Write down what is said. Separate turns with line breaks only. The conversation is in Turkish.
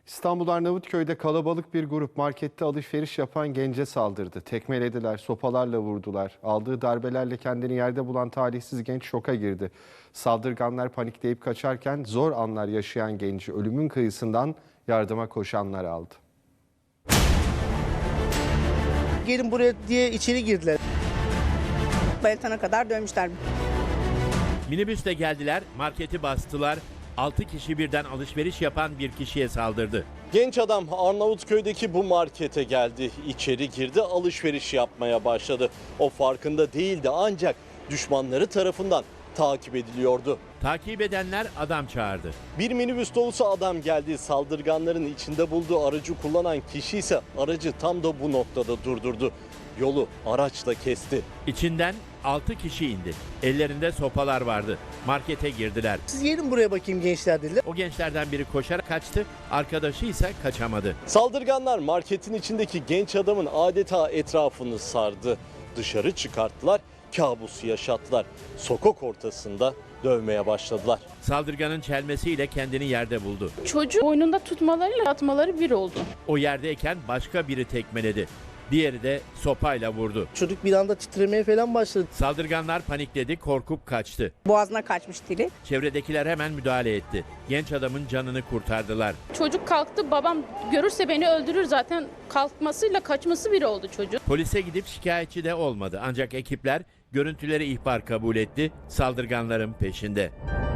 İstanbul Arnavutköy'de kalabalık bir grup markette alışveriş yapan gence saldırdı. Tekmelediler, sopalarla vurdular. Aldığı darbelerle kendini yerde bulan talihsiz genç şoka girdi. Saldırganlar panikleyip kaçarken zor anlar yaşayan genci ölümün kıyısından yardıma koşanlar aldı.
Gelin buraya diye içeri girdiler.
Bayıltana kadar dövmüşler.
Minibüsle geldiler, marketi bastılar. 6 kişi birden alışveriş yapan bir kişiye saldırdı.
Genç adam Arnavutköy'deki bu markete geldi. İçeri girdi, alışveriş yapmaya başladı. O farkında değildi ancak düşmanları tarafından takip ediliyordu.
Takip edenler adam çağırdı.
Bir minibüs dolusu adam geldi. Saldırganların içinde bulduğu aracı kullanan kişi ise aracı tam da bu noktada durdurdu. Yolu araçla kesti.
İçinden 6 kişi indi. Ellerinde sopalar vardı. Markete girdiler.
Siz gelin buraya bakayım gençler dediler.
O gençlerden biri koşarak kaçtı, arkadaşı ise kaçamadı.
Saldırganlar marketin içindeki genç adamın adeta etrafını sardı. Dışarı çıkarttılar, kabus yaşattılar. Sokak ortasında dövmeye başladılar.
Saldırganın çelmesiyle kendini yerde buldu.
Çocuğu boynunda tutmalarıyla atmaları bir oldu.
O yerdeyken başka biri tekmeledi. Diğeri de sopayla vurdu.
Çocuk bir anda titremeye falan başladı.
Saldırganlar panikledi, korkup kaçtı.
Boğazına kaçmış dili.
Çevredekiler hemen müdahale etti. Genç adamın canını kurtardılar.
Çocuk kalktı, babam görürse beni öldürür zaten, kalkmasıyla kaçması bir oldu çocuk.
Polise gidip şikayetçi de olmadı. Ancak ekipler görüntüleri ihbar kabul etti. Saldırganların peşinde.